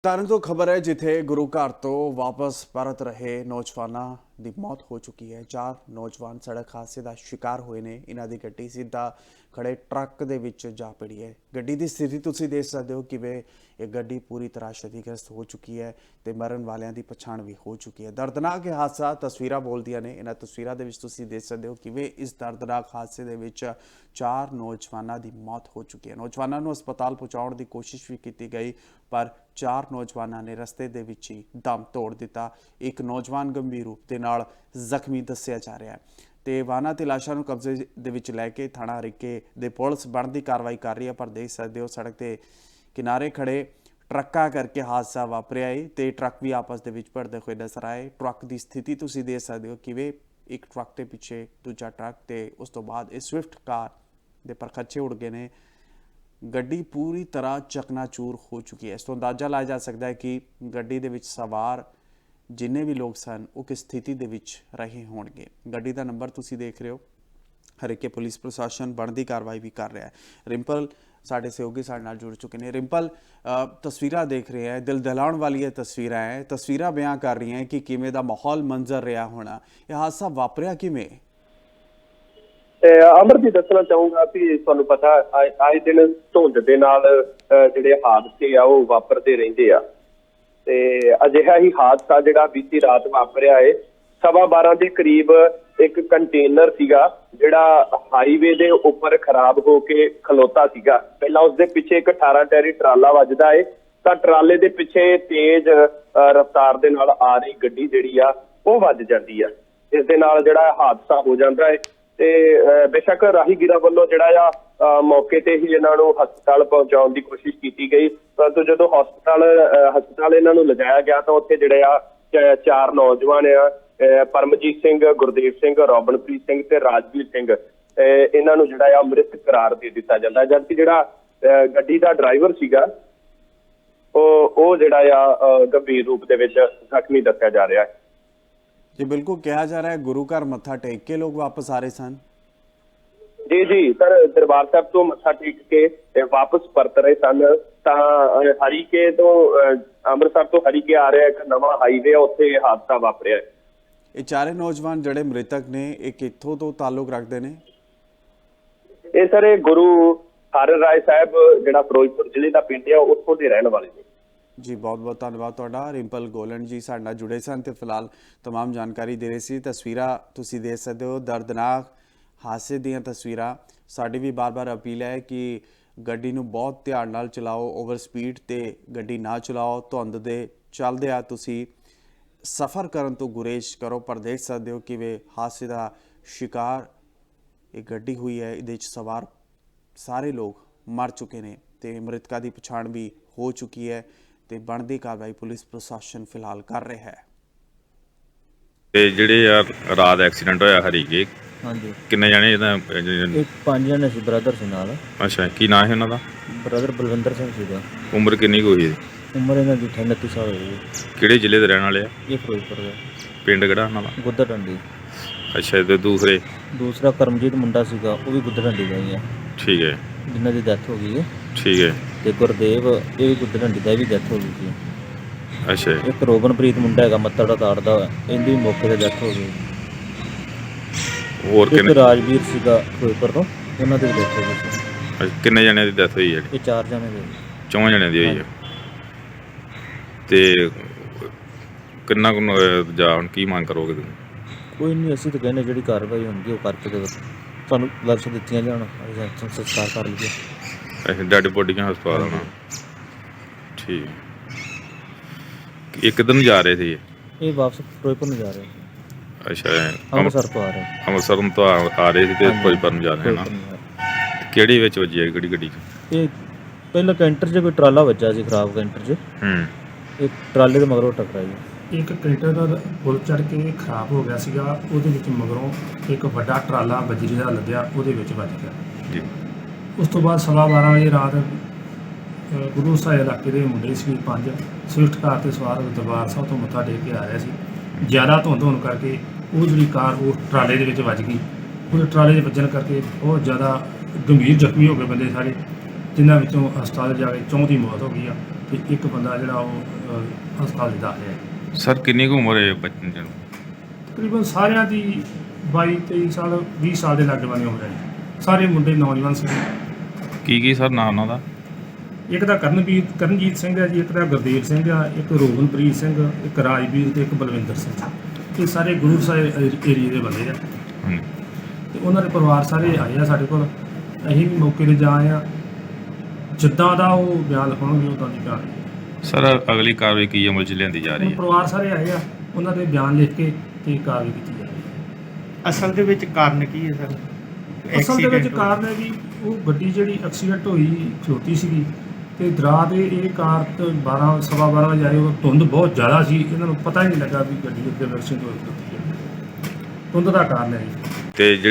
ਤਰਨਤਾਰਨ ਤੋਂ ਖਬਰ ਹੈ ਜਿੱਥੇ ਗੁਰੂ ਘਰ ਤੋਂ ਵਾਪਸ ਪਰਤ ਰਹੇ ਨੌਜਵਾਨਾਂ ਦੀ ਮੌਤ ਹੋ ਚੁੱਕੀ ਹੈ। 4 ਨੌਜਵਾਨ ਸੜਕ ਹਾਦਸੇ ਦਾ ਸ਼ਿਕਾਰ ਹੋਏ ਨੇ। ਇਹਨਾਂ ਦੀ ਗੱਡੀ ਸਿੱਧਾ ਖੜੇ ਟਰੱਕ ਦੇ ਵਿੱਚ ਜਾ ਪੜੀ ਹੈ। ਗੱਡੀ ਦੀ ਸਥਿਤੀ ਤੁਸੀਂ ਦੇਖ ਸਕਦੇ ਹੋ ਕਿਵੇਂ ਇਹ ਗੱਡੀ ਪੂਰੀ ਤਰ੍ਹਾਂ क्षतिग्रस्त ਹੋ ਚੁੱਕੀ ਹੈ ਤੇ ਮਰਨ ਵਾਲਿਆਂ ਦੀ ਪਛਾਣ ਵੀ ਹੋ ਚੁੱਕੀ ਹੈ। ਦਰਦਨਾਕ ਇਹ ਹਾਦਸਾ ਤਸਵੀਰਾਂ ਬੋਲਦੀਆਂ ਨੇ। ਇਹਨਾਂ ਤਸਵੀਰਾਂ ਦੇ ਵਿੱਚ ਤੁਸੀਂ ਦੇਖ ਸਕਦੇ ਹੋ ਕਿਵੇਂ ਇਸ ਦਰਦਨਾਕ ਹਾਦਸੇ ਦੇ ਵਿੱਚ 4 ਨੌਜਵਾਨਾਂ ਦੀ ਮੌਤ ਹੋ ਚੁੱਕੀ ਹੈ। ਨੌਜਵਾਨਾਂ ਨੂੰ ਹਸਪਤਾਲ ਪਹੁੰਚਾਉਣ ਦੀ ਕੋਸ਼ਿਸ਼ ਵੀ ਕੀਤੀ ਗਈ ਪਰ 4 ਨੌਜਵਾਨਾਂ ਨੇ ਰਸਤੇ ਦੇ ਵਿੱਚ ਹੀ ਦਮ ਤੋੜ ਦਿੱਤਾ। ਇੱਕ ਨੌਜਵਾਨ ਗੰਭੀਰ ਰੂਪ ਦੇ ਨਾਲ ਜ਼ਖਮੀ ਦੱਸਿਆ ਜਾ ਰਿਹਾ ਹੈ ਤੇ ਵਾਹਨਾਂ ਤੇ ਲਾਸ਼ਾਂ ਨੂੰ ਕਬਜ਼ੇ ਦੇ ਵਿੱਚ ਲੈ ਕੇ ਥਾਣਾ ਹਰੀਕੇ ਦੇ ਪੁਲਿਸ ਬਣਦੀ ਕਾਰਵਾਈ ਕਰ ਰਹੀ ਹੈ। ਪਰ ਦੇਖ ਸਕਦੇ ਹੋ ਸੜਕ ਤੇ ਕਿਨਾਰੇ ਖੜੇ ਟਰੱਕਾਂ ਕਰਕੇ ਹਾਦਸਾ ਵਾਪਰਿਆ ਹੈ ਤੇ ਟਰੱਕ ਵੀ ਆਪਸ ਦੇ ਵਿੱਚ ਭਿੜਦੇ ਹੋਏ ਨਜ਼ਰ ਆਏ। ਟਰੱਕ ਦੀ ਸਥਿਤੀ ਤੁਸੀਂ ਦੇਖ ਸਕਦੇ ਹੋ ਕਿਵੇਂ ਇੱਕ ਟਰੱਕ ਦੇ ਪਿੱਛੇ ਦੂਜਾ ਟਰੱਕ ਤੇ ਉਸ ਤੋਂ ਬਾਅਦ ਇਹ ਸਵਿਫਟ ਕਾਰ ਦੇ ਪਰਖੱਚੇ ਉੜ ਗਏ ਨੇ। ਗੱਡੀ ਪੂਰੀ ਤਰ੍ਹਾਂ ਚਕਨਾਚੂਰ ਹੋ ਚੁੱਕੀ ਹੈ। ਇਸ ਤੋਂ ਅੰਦਾਜ਼ਾ ਲਾਇਆ ਜਾ ਸਕਦਾ ਹੈ ਕਿ ਗੱਡੀ ਦੇ ਵਿੱਚ ਸਵਾਰ ਜਿੰਨੇ ਵੀ ਲੋਕ ਸਨ ਉਹ ਕਿਸ ਸਥਿਤੀ ਦੇ ਵਿੱਚ ਰਹੇ ਹੋਣਗੇ। ਗੱਡੀ ਦਾ ਨੰਬਰ ਤੁਸੀਂ ਦੇਖ ਰਹੇ ਹੋ। ਹਰੀਕੇ ਪੁਲਿਸ ਪ੍ਰਸ਼ਾਸਨ ਬਣਦੀ ਕਾਰਵਾਈ ਵੀ ਕਰ ਰਿਹਾ ਹੈ। ਰਿੰਪਲ ਸਾਡੇ ਸਹਿਯੋਗੀ ਸਾਡੇ ਨਾਲ ਜੁੜ ਚੁੱਕੇ ਨੇ। ਰਿੰਪਲ, ਤਸਵੀਰਾਂ ਦੇਖ ਰਹੇ ਹੈ, ਦਿਲ ਦਹਿਲਾਉਣ ਵਾਲੀ ਇਹ ਤਸਵੀਰਾਂ ਬਿਆਨ ਕਰ ਰਹੀਆਂ ਹੈ ਕਿ ਕਿਵੇਂ ਦਾ ਮਾਹੌਲ ਮੰਜ਼ਰ ਰਿਹਾ ਹੋਣਾ। ਇਹ ਹਾਦਸਾ ਵਾਪਰਿਆ ਕਿਵੇਂ? ਅਮਰਜੀਤ, ਦੱਸਣਾ ਚਾਹੂੰਗਾ ਕਿ ਤੁਹਾਨੂੰ ਪਤਾ ਆਏ ਦਿਨ ਧੁੰਦ ਦੇ ਨਾਲ ਜਿਹੜੇ ਹਾਦਸੇ ਆ ਉਹ ਵਾਪਰਦੇ ਰਹਿੰਦੇ ਆ ਤੇ ਅਜਿਹਾ ਹੀ ਹਾਦਸਾ ਜਿਹੜਾ ਬੀਤੀ ਰਾਤ ਵਾਪਰਿਆ ਹੈ 12:15 ਦੇ ਕਰੀਬ ਇੱਕ ਕੰਟੇਨਰ ਸੀਗਾ ਜਿਹੜਾ ਹਾਈਵੇ ਦੇ ਉੱਪਰ ਖਰਾਬ ਹੋ ਕੇ ਖਲੋਤਾ ਸੀਗਾ। ਪਹਿਲਾਂ ਉਸਦੇ ਪਿੱਛੇ ਇੱਕ 18 ਟੈਰੀ ਟਰਾਲਾ ਵੱਜਦਾ ਹੈ ਤਾਂ ਟਰਾਲੇ ਦੇ ਪਿੱਛੇ ਤੇਜ਼ ਰਫ਼ਤਾਰ ਦੇ ਨਾਲ ਆ ਰਹੀ ਗੱਡੀ ਜਿਹੜੀ ਆ ਉਹ ਵੱਜ ਜਾਂਦੀ ਆ। ਇਸ ਦੇ ਨਾਲ ਜਿਹੜਾ ਹਾਦਸਾ ਹੋ ਜਾਂਦਾ ਹੈ ਤੇ ਬੇਸ਼ੱਕ ਰਾਹੀਗੀਰਾਂ ਵੱਲੋਂ ਜਿਹੜਾ ਆ ਮੌਕੇ ਤੇ ਹੀ ਇਹਨਾਂ ਨੂੰ ਹਸਪਤਾਲ ਪਹੁੰਚਾਉਣ ਦੀ ਕੋਸ਼ਿਸ਼ ਕੀਤੀ ਗਈ, ਪਰੰਤੂ ਜਦੋਂ ਹਸਪਤਾਲ ਇਹਨਾਂ ਨੂੰ ਲਿਜਾਇਆ ਗਿਆ ਤਾਂ ਉੱਥੇ ਜਿਹੜੇ ਆ 4 ਨੌਜਵਾਨ ਆ ਪਰਮਜੀਤ ਸਿੰਘ, ਗੁਰਦੇਵ ਸਿੰਘ, ਰੋਬਨਪ੍ਰੀਤ ਸਿੰਘ ਤੇ ਰਾਜਵੀਰ ਸਿੰਘ, ਇਹਨਾਂ ਨੂੰ ਜਿਹੜਾ ਆ ਮ੍ਰਿਤ ਕਰਾਰ ਦੇ ਦਿੱਤਾ ਜਾਂਦਾ। ਜਦਕਿ ਜਿਹੜਾ ਗੱਡੀ ਦਾ ਡਰਾਈਵਰ ਸੀਗਾ ਉਹ ਜਿਹੜਾ ਆ ਗੰਭੀਰ ਰੂਪ ਦੇ ਵਿੱਚ ਜ਼ਖਮੀ ਦੱਸਿਆ ਜਾ ਰਿਹਾ ਹੈ। ਜੀ ਬਿਲਕੁਲ, ਕਿਹਾ ਜਾ ਰਿਹਾ ਹੈ ਗੁਰੂ ਘਰ ਮੱਥਾ ਟੇਕ ਕੇ ਲੋਕ ਵਾਪਸ ਆ ਰਹੇ ਸਨ। ਜੀ ਸਰ, ਦਰਬਾਰ ਸਾਹਿਬ ਤੋਂ ਮੱਥਾ ਟੇਕ ਕੇ ਵਾਪਸ ਪਰਤ ਰਹੇ ਸਨ ਤਾਂ ਹਰੀਕੇ ਤੋਂ ਅੰਮ੍ਰਿਤਸਰ ਤੋਂ ਹਰੀਕੇ ਆ ਰਿਹਾ ਇੱਕ ਨਵਾਂ ਹਾਈਵੇ ਉੱਥੇ ਹਾਦਸਾ ਵਾਪਰਿਆ। ਇਹ 4 ਨੌਜਵਾਨ ਜਿਹੜੇ ਮ੍ਰਿਤਕ ਨੇ ਇਹ ਕਿੱਥੋਂ ਤੋਂ ਤਾਲੁਕ ਰੱਖਦੇ ਨੇ? ਇਹ ਸਰ ਇਹ ਗੁਰੂ ਹਰਿ ਰਾਏ ਸਾਹਿਬ ਜਿਹੜਾ ਫਿਰੋਜ਼ਪੁਰ ਜ਼ਿਲ੍ਹੇ ਦਾ ਪਿੰਡ ਆ ਉੱਥੋਂ ਦੇ ਰਹਿਣ ਵਾਲੇ ਨੇ। ਜੀ ਬਹੁਤ ਬਹੁਤ ਧੰਨਵਾਦ ਤੁਹਾਡਾ। ਰਿੰਪਲ ਗੋਲਨ ਜੀ ਸਾਡੇ ਨਾਲ ਜੁੜੇ ਸਨ ਤੇ ਫਿਲਹਾਲ तमाम ਜਾਣਕਾਰੀ ਦੇ ਰਹੇ ਸੀ। ਤਸਵੀਰਾਂ ਤੁਸੀਂ ਦੇਖ ਸਕਦੇ ਹੋ, ਦਰਦਨਾਕ ਹਾਦਸੇ ਦੀਆਂ ਤਸਵੀਰਾਂ। ਸਾਡੀ ਵੀ ਬਾਰ-ਬਾਰ ਅਪੀਲ ਹੈ ਕਿ ਗੱਡੀ ਨੂੰ ਬਹੁਤ ਧਿਆਨ ਨਾਲ ਚਲਾਓ, ਓਵਰ ਸਪੀਡ ਤੇ ਗੱਡੀ ਨਾ ਚਲਾਓ। ਧੁੰਦ ਦੇ ਚੱਲਦਿਆਂ ਤੁਸੀਂ ਸਫ਼ਰ ਕਰਨ ਤੋਂ ਗੁਰੇਜ਼ ਕਰੋ। ਪਰ ਦੇਖ ਸਕਦੇ ਹੋ ਕਿਵੇਂ ਹਾਦਸੇ ਦਾ ਸ਼ਿਕਾਰ ਇਹ ਗੱਡੀ ਹੋਈ ਹੈ। ਇਹਦੇ ਵਿੱਚ ਸਵਾਰ ਸਾਰੇ ਲੋਕ ਮਰ ਚੁੱਕੇ ਨੇ ਤੇ ਮ੍ਰਿਤਕਾਂ ਦੀ ਪਛਾਣ ਵੀ ਹੋ ਚੁੱਕੀ ਹੈ ਤੇ ਬਣਦੀ ਕਾਰਵਾਈ ਪੁਲਿਸ ਪ੍ਰਸ਼ਾਸਨ ਫਿਲਹਾਲ ਕਰ ਰਿਹਾ ਹੈ। ਤੇ ਜਿਹੜੇ ਯਾਰ ਰਾਤ ਐਕਸੀਡੈਂਟ ਹੋਇਆ ਹਰੀਕੇ, ਹਾਂਜੀ, ਕਿੰਨੇ ਜਣੇ ਇਹਦਾ? ਇਹ 5 ਜਣੇ ਸੀ, ਬ੍ਰਦਰ ਸੀ ਨਾਲ। ਅੱਛਾ, ਕੀ ਨਾਂ ਹੈ ਉਹਨਾਂ ਦਾ? ਬ੍ਰਦਰ ਬਲਵਿੰਦਰ ਸਿੰਘ ਸੀਗਾ। ਉਮਰ ਕਿੰਨੀ ਕੁ ਹੋਈ? ਉਮਰ ਇਹਨਾਂ ਦੀ 29 ਸਾਲ ਹੋਈ ਹੈ। ਕਿਹੜੇ ਜ਼ਿਲ੍ਹੇ ਦੇ ਰਹਿਣ ਵਾਲੇ ਆ? ਇਹ ਫਿਰੋਜ਼ਪੁਰ ਦਾ। ਪਿੰਡ ਕਿਹੜਾ ਉਹਨਾਂ ਦਾ? ਗੁੱਦਰ ਡੰਡੀ। ਅੱਛਾ, ਤੇ ਦੂਸਰਾ ਕਰਮਜੀਤ ਮੁੰਡਾ ਸੀਗਾ, ਉਹ ਵੀ ਗੁੱਦਰ ਡੰਡੀ ਦਾ ਹੀ ਹੈ। ਠੀਕ ਹੈ, ਜਿਨ੍ਹਾਂ ਦੀ ਡੈਥ ਹੋ ਗਈ ਹੈ। ਠੀਕ ਹੈ। ਤੇ ਗੁਰਦੇਵ, ਇਹ ਵੀ ਗੁੱਦਰ ਡੰਡੀ ਦਾ, ਵੀ ਡੈਥ ਹੋ ਗਈ ਸੀ। ਅੱਛਾ, ਇੱਕ ਰੋਬਨਪ੍ਰੀਤ ਮੁੰਡਾ ਹੈਗਾ ਮੱਤੜ ਦਾ ਤਾੜਦਾ, ਇਹਦੀ ਵੀ ਮੌਕੇ ਤੇ ਡੈਥ ਹੋ ਗਈ। ਹੋਰ ਇੱਕ ਕਿੰਨੇ? ਰਾਜਵੀਰ ਸੀਗਾ ਫਿਰੋਜ਼ਪੁਰ ਤੋਂ, ਉਹਨਾਂ ਦੀ ਵੀ ਡੈਥ ਹੋ ਗਈ ਸੀ। ਕਿੰਨੇ ਜਣਿਆਂ ਦੀ ਡੈਥ ਹੋਈ ਹੈ? ਇਹ 4 ਜਣੇ ਦੇ। 4 ਜਣਿਆਂ ਦੀ ਹੋਈ ਹੈ। ਤੇ ਕਿੰਨਾ ਕੁ ਜਾਂ ਹੁਣ ਕੀ ਮੰਗ ਕਰੋਗੇ ਤੁਸੀਂ? ਕੋਈ ਨਹੀਂ, ਅਸੀਂ ਤਾਂ ਕਹਿੰਦੇ ਜਿਹੜੀ ਕਾਰਵਾਈ ਹੁੰਦੀ ਉਹ ਕਰਕੇ ਤੇ ਤੁਹਾਨੂੰ ਲਕਸ਼ ਦਿੱਤੀਆਂ ਜਾਣ, ਸੰਸਕਾਰ ਕਰ ਲਈਏ। ਅੱਛਾ, ਡੈਡ ਬੋਡੀਆਂ ਹਸਪਤਾਲ ਆਉਣਾ। ਠੀਕ। ਇਹ ਕਿੱਧਰ ਨੂੰ ਜਾ ਰਹੇ ਸੀ? ਇਹ ਵਾਪਸ ਫਿਰੋਜ਼ਪੁਰ ਨੂੰ ਜਾ ਰਹੇ ਸੀ। ਅੱਛਾ, ਅੰਮ੍ਰਿਤਸਰ ਤੋਂ ਆ ਰਹੇ। ਅੰਮ੍ਰਿਤਸਰ ਤੋਂ ਆ ਰਹੇ ਸੀ ਤੇ ਫਿਰੋਜ਼ਪੁਰ ਨੂੰ ਜਾ ਰਹੇ ਨਾ। ਕਿਹੜੀ ਵਿੱਚ ਵੱਜੀ ਹੈ ਕਿਹੜੀ ਗੱਡੀ 'ਚ? ਇਹ ਪਹਿਲਾਂ ਕੈਂਟਰ 'ਚ ਕੋਈ ਟਰਾਲਾ ਵੱਜਾ ਸੀ, ਖਰਾਬ ਕੈਂਟਰ 'ਚ। ਇਹ ਟਰਾਲੇ ਦੇ ਮਗਰੋਂ ਟਕਰਾਈ। ਇੱਕ ਕੈਂਟਰ ਦਾ ਪੁਲ ਚੜ੍ਹ ਕੇ ਖਰਾਬ ਹੋ ਗਿਆ ਸੀਗਾ, ਉਹਦੇ ਵਿੱਚ ਮਗਰੋਂ ਇੱਕ ਵੱਡਾ ਟਰਾਲਾ ਬਜਰੀ ਦਾ ਲੱਦਿਆ, ਉਹਦੇ ਵਿੱਚ ਵੱਜ ਗਿਆ ਜੀ। ਉਸ ਤੋਂ ਬਾਅਦ 12:15 ਵਜੇ ਰਾਤ ਗੁਰੂ ਸਾਹਿਬ ਇਲਾਕੇ ਦੇ ਮੁੰਡੇ ਸੀ 5 ਸਵਿਫਟ ਕਾਰ ਤੇ ਸਵਾਰ ਦਰਬਾਰ ਸਾਹਿਬ ਤੋਂ ਮੱਥਾ ਟੇਕ ਕੇ ਆ ਰਹੇ ਸੀ। ਜ਼ਿਆਦਾ ਧੁੰਦ ਹੋਣ ਕਰਕੇ ਉਹ ਜਿਹੜੀ ਕਾਰ ਉਹ ਟਰਾਲੇ ਦੇ ਵਿੱਚ ਵੱਜ ਗਈ। ਉਹ ਟਰਾਲੇ ਦੇ ਵੱਜਣ ਕਰਕੇ ਬਹੁਤ ਜ਼ਿਆਦਾ ਗੰਭੀਰ ਜ਼ਖਮੀ ਹੋ ਗਏ ਬੰਦੇ ਸਾਰੇ, ਜਿਨ੍ਹਾਂ ਵਿੱਚੋਂ ਹਸਪਤਾਲ ਜਾ ਕੇ 4 ਦੀ ਮੌਤ ਹੋ ਗਈ ਆ ਤੇ ਇੱਕ ਬੰਦਾ ਜਿਹੜਾ ਉਹ ਹਸਪਤਾਲ 'ਚ ਦਾਖਲ ਹੈ। ਸਰ ਕਿੰਨੀ ਕੁ ਉਮਰ ਹੈ ਬੱਚੇ ਨੂੰ? ਤਕਰੀਬਨ ਸਾਰਿਆਂ ਦੀ 22-23 ਸਾਲ 20 ਸਾਲ ਦੇ ਲਾਗੇ ਬੰਨੇ ਉਮਰ ਹੈ ਜੀ। ਸਾਰੇ ਮੁੰਡੇ ਨੌਜਵਾਨ ਸੀ। ਕੀ ਸਰ ਨਾਂ ਉਹਨਾਂ ਦਾ? ਇੱਕ ਦਾ ਕਰਨਜੀਤ ਸਿੰਘ ਹੈ ਜੀ, ਇੱਕ ਦਾ ਗੁਰਦੇਵ ਸਿੰਘ ਆ, ਇੱਕ ਰੋਗਨਪ੍ਰੀਤ ਸਿੰਘ, ਇੱਕ ਰਾਜਵੀਰ ਤੇ ਇੱਕ ਬਲਵਿੰਦਰ ਸਿੰਘ। ਇਹ ਸਾਰੇ ਗੁਰੂ ਸਾਹਿਬ ਏਰੀਏ ਦੇ ਬੰਦੇ ਆ ਹਾਂਜੀ। ਤੇ ਉਹਨਾਂ ਦੇ ਪਰਿਵਾਰ ਸਾਰੇ ਆਏ ਆ ਸਾਡੇ ਕੋਲ। ਅਸੀਂ ਵੀ ਮੌਕੇ 'ਤੇ ਜਾ ਆਏ ਆ। ਜਿੱਦਾਂ ਦਾ ਉਹ ਬਿਆਨ ਲਿਖਾਉਣਗੇ ਉੱਦਾਂ ਦੀ ਕਾਰਵਾਈ। ਸਰ ਅਗਲੀ ਕਾਰਵਾਈ ਕੀ ਅਮਲ 'ਚ ਲਿਆਂਦੀ ਜਾ ਰਹੀ ਹੁਣ ਹੈ? ਪਰਿਵਾਰ ਸਾਰੇ ਆਏ ਆ, ਉਹਨਾਂ ਦੇ ਬਿਆਨ ਲਿਖ ਕੇ ਤੇ ਕਾਰਵਾਈ ਕੀਤੀ ਜਾ ਰਹੀ ਹੈ। ਅਸਲ ਦੇ ਵਿੱਚ ਕਾਰਨ ਕੀ ਹੈ ਸਰ? ਅਸਲ ਦੇ ਵਿੱਚ Accident ਕਾਰਨ ਹੈ ਵੀ ਉਹ ਗੱਡੀ ਜਿਹੜੀ ਐਕਸੀਡੈਂਟ ਹੋਈ ਖਲੋਤੀ ਸੀਗੀ ਤੇ ਦਰਾ ਦੇ ਇਹ ਕਾਰ ਤੋਂ 12:15 ਵਜੇ ਆਏ। ਉਹ ਧੁੰਦ ਬਹੁਤ ਜ਼ਿਆਦਾ ਸੀ, ਇਹਨਾਂ ਨੂੰ ਪਤਾ ਹੀ ਨਹੀਂ ਲੱਗਾ ਵੀ ਗੱਡੀ ਅੱਗੇ ਐਕਸੀਡੈਂਟ ਹੋਈ ਖਲੋਤੀ ਹੈ। ਧੁੰਦ ਦਾ ਕਾਰਨ ਹੈ ਜੀ। ਤੇ